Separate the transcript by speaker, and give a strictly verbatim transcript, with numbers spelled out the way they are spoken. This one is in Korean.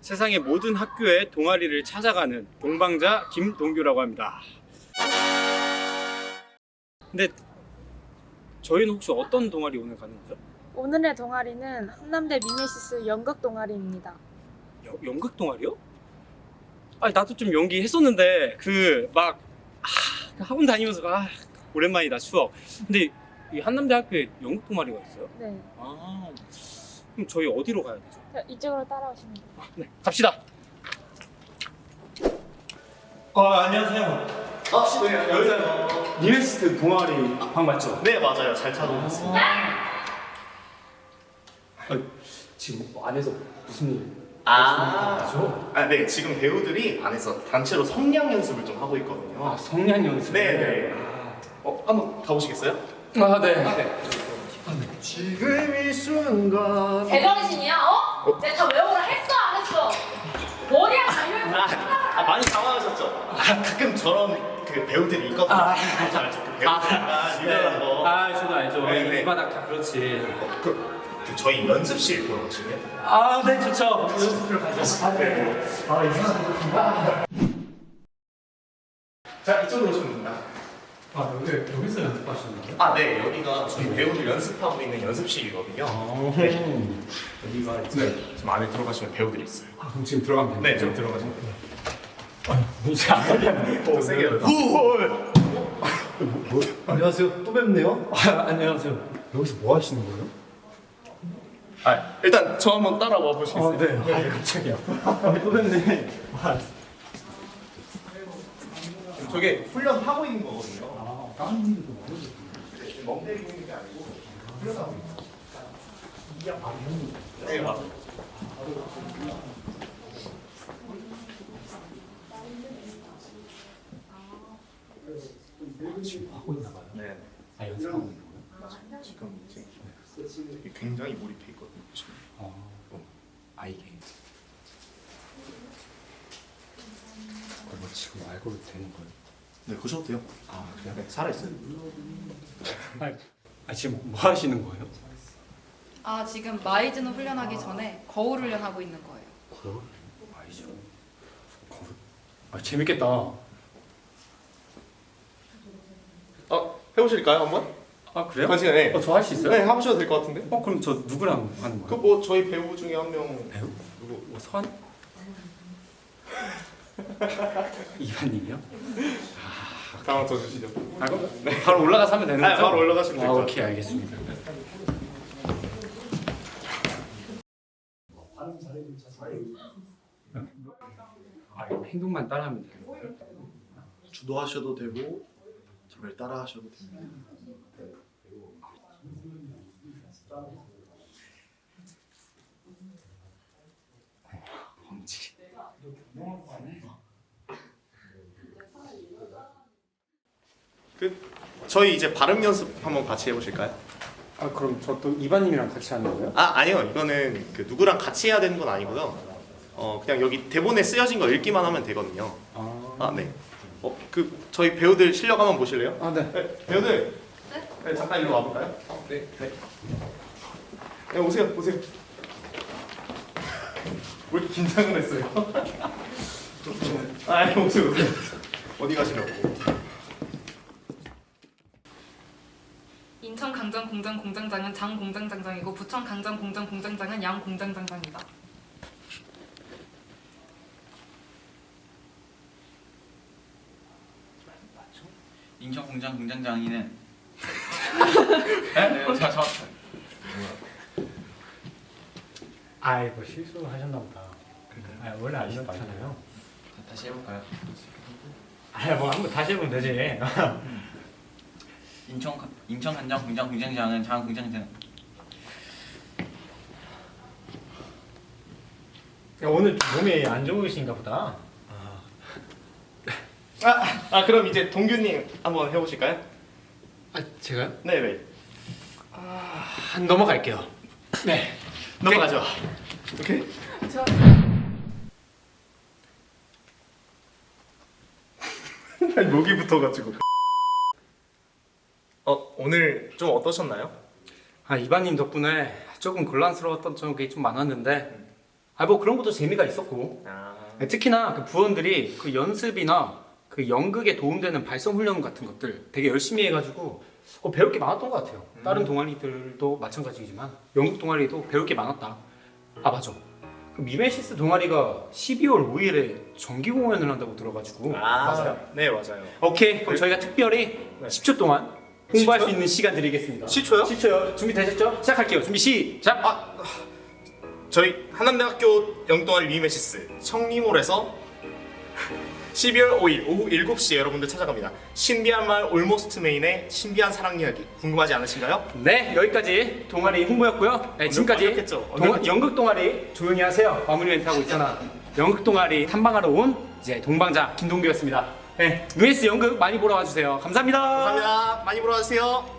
Speaker 1: 세상의 모든 학교의 동아리를 찾아가는 동방자 김동규라고 합니다. 근데 저희는 혹시 어떤 동아리 오늘 가는 거죠?
Speaker 2: 오늘의 동아리는 한남대 미메시스 연극 동아리입니다.
Speaker 1: 여, 연극 동아리요? 아니 나도 좀 연기 했었는데 그 막 아, 학원 다니면서 아 오랜만이다 추억. 근데 이 한남대 학교에 연극 동아리가 있어요?
Speaker 2: 네.
Speaker 1: 아 그럼 저희 어디로 가야 되죠?
Speaker 2: 자, 이쪽으로 따라오시면 돼요.
Speaker 1: 아, 네 갑시다. 아 안녕하세요.
Speaker 3: 아, 네, 여기서
Speaker 1: 미메시스 동아리 방 맞죠?
Speaker 3: 네, 맞아요. 잘 찾아오셨습니다.
Speaker 1: 아, 지금 뭐 안에서 무슨 일?
Speaker 3: 아,
Speaker 1: 죠?
Speaker 3: 아, 네, 지금 배우들이 안에서 단체로 성량 연습을 좀 하고 있거든요.
Speaker 1: 아 성량 연습.
Speaker 3: 네, 네. 어, 한번 가보시겠어요?
Speaker 1: 아 네.
Speaker 3: 지금 이 순간.
Speaker 4: 제정신이야? 어? 내가 다 외우라 했어 안 했어? 머리야 달려.
Speaker 3: 아, 아, 많이 당황하셨죠? 아, 가끔 저런 그 배우들이 있거든요.
Speaker 1: 아.
Speaker 3: 알죠, 알죠. 그 배우들이나 리더라는 거.
Speaker 1: 아 저도 알죠.
Speaker 3: 네, 네.
Speaker 1: 이 바닥 다 그렇지.
Speaker 3: 그, 그 저희 연습실 보러 오시면.
Speaker 1: 아 네 좋죠. 연습을 가죠.
Speaker 3: 네. 아, 이상하다. 자, 이쪽으로 오시면 됩니다.
Speaker 1: 아 여기 여기서 연습하시는 거예요?
Speaker 3: 아, 네, 여기가 저희 배우들 연습하고 있는 연습실이거든요. 네. 여기가 이제 지금 안에 들어가시면 배우들이 있어요.
Speaker 1: 아 그럼 지금 들어가면
Speaker 3: 네,
Speaker 1: 되죠?
Speaker 3: 좀 들어가시면 돼요.
Speaker 1: 이제 안 걸렸네.
Speaker 3: 더 세게 해요.
Speaker 5: 안녕하세요. 또 뵙네요.
Speaker 1: 아, 안녕하세요.
Speaker 5: 여기서 뭐 하시는 거예요?
Speaker 3: 아, 일단 저 한번 따라와 보시겠어요?
Speaker 5: 아, 네. 아, 깜짝이야. 아, 또 뵙네. 아,
Speaker 3: 저게 훈련하고 있는 거거든요.
Speaker 5: 아, 다른 분들도 모르죠.
Speaker 3: 멍때리고 있는 게 아니고 훈련하고 있어요. 네, 맞아요.
Speaker 5: 지금 하고 있나 봐요.
Speaker 3: 네.
Speaker 5: 아, 연습하고 있는 거예요?
Speaker 3: 맞아요. 지금 이제 이게 굉장히 몰입해 있거든요. 보시면.
Speaker 5: 아, 아 이게. 그거 지금 알고 되는 거예요?
Speaker 3: 네, 보셔도 돼요.
Speaker 5: 아, 그래요?
Speaker 3: 네, 살아있어요.
Speaker 1: 아, 아 지금 뭐 하시는 거예요?
Speaker 4: 아 지금 마이즈는 훈련하기 전에 거울 훈련하고 있는 거예요.
Speaker 5: 거울? 아니죠. 거울?
Speaker 1: 아 재밌겠다.
Speaker 3: 어, 해보실까요, 한번?
Speaker 1: 아 그래요?
Speaker 3: 아, 지금 네.
Speaker 1: 어, 저 할 수 있어요?
Speaker 3: 네, 해보셔도 될 것 같은데?
Speaker 1: 어 그럼 저 누구랑 하는
Speaker 3: 그
Speaker 1: 거예요?
Speaker 3: 뭐 저희 배우 중에 한 명.
Speaker 1: 배우?
Speaker 3: 누구?
Speaker 1: 뭐 선? 이반님이요?
Speaker 3: 다음 더 주시죠.
Speaker 1: 아 그럼 바로 올라가서 하면 되는
Speaker 3: 아,
Speaker 1: 거죠?
Speaker 3: 바로 올라가시면
Speaker 1: 아
Speaker 3: 될 것
Speaker 1: 오케이 알겠습니다. 아 이거 행동만 따라하면 되는 거예요?
Speaker 5: 주도하셔도 되고, 저를 따라 하셔도 됩니다.
Speaker 1: 범지.
Speaker 3: 그 저희 이제 발음 연습 한번 같이 해보실까요?
Speaker 1: 아 그럼 저 또 이반님이랑 같이 하는 거예요?
Speaker 3: 아, 아니요. 이거는 그 누구랑 같이 해야 되는 건 아니고요. 어, 그냥 여기 대본에 쓰여진 거 읽기만 하면 되거든요.
Speaker 1: 아,
Speaker 3: 아, 네. 어, 그 저희 배우들 실력 한번 보실래요?
Speaker 1: 아 네.
Speaker 3: 네, 배우들. 네, 잠깐 일로 와볼까요? 네. 네. 네, 오세요, 오세요. 왜 이렇게 긴장을 했어요? 아, 네, 오세요, 오세요. 어디 가시려고?
Speaker 4: 인천 강정 공장 공장장은 장 공장장장이고 부천 강정 공장 공장장은 양 공장장장이다.
Speaker 6: 인천 공장 공장장이는 네? 네, 저, 저.
Speaker 5: 아이, 뭐 실수하셨나 보다. 아, 원래 안 이렇잖아요.
Speaker 6: 다시 해볼까요?
Speaker 5: 아, 뭐 한번 다시 해보면 되지.
Speaker 6: 인천 가- 인천 간장 공장 공장장은 장 공장장.
Speaker 5: 오늘 좀 몸이 안 좋으신가 보다.
Speaker 3: 아, 아, 그럼 이제 동규님 한번 해보실까요?
Speaker 5: 아, 제가요?
Speaker 3: 네, 네.
Speaker 5: 한 넘어갈게요. 네.
Speaker 3: 넘어가죠. 오케이.
Speaker 4: 저
Speaker 3: 목이 붙어가지고. 어, 오늘 좀 어떠셨나요?
Speaker 1: 아 이반님 덕분에 조금 곤란스러웠던 적이 좀 많았는데 아 뭐 그런 것도 재미가 있었고
Speaker 3: 아.
Speaker 1: 특히나 그 부원들이 그 연습이나 그 연극에 도움되는 발성 훈련 같은 것들 되게 열심히 해가지고 어, 배울 게 많았던 것 같아요. 다른 동아리들도 마찬가지지만 연극 동아리도 배울 게 많았다. 아 맞아. 그 미메시스 동아리가 십이월 오일에 정기 공연을 한다고 들어가지고
Speaker 3: 맞아요? 네, 맞아요.
Speaker 1: 오케이 그럼 저희가 특별히
Speaker 3: 네.
Speaker 1: 십 초 동안 홍보할
Speaker 3: 십 초?
Speaker 1: 수 있는 시간 드리겠습니다.
Speaker 3: 십 초요?
Speaker 1: 십 초요. 준비되셨죠? 시작할게요. 준비 시작.
Speaker 3: 아, 저희 한남대학교 영동아리 미메시스 청림홀에서 십이월 오일 오후 일곱 시에 여러분들 찾아갑니다. 신비한 말 올모스트 메인의 신비한 사랑 이야기 궁금하지 않으신가요?
Speaker 1: 네 여기까지 동아리 홍보였고요. 네, 지금까지
Speaker 3: 완벽했죠?
Speaker 1: 동,
Speaker 3: 완벽했죠?
Speaker 1: 연극 동아리 조용히 하세요. 마무리 멘트 하고 있잖아. 연극 동아리 탐방하러 온 이제 동방자 김동규였습니다. 네, 유에스 연극 많이 보러 와주세요. 감사합니다.
Speaker 3: 감사합니다. 많이 보러 와주세요.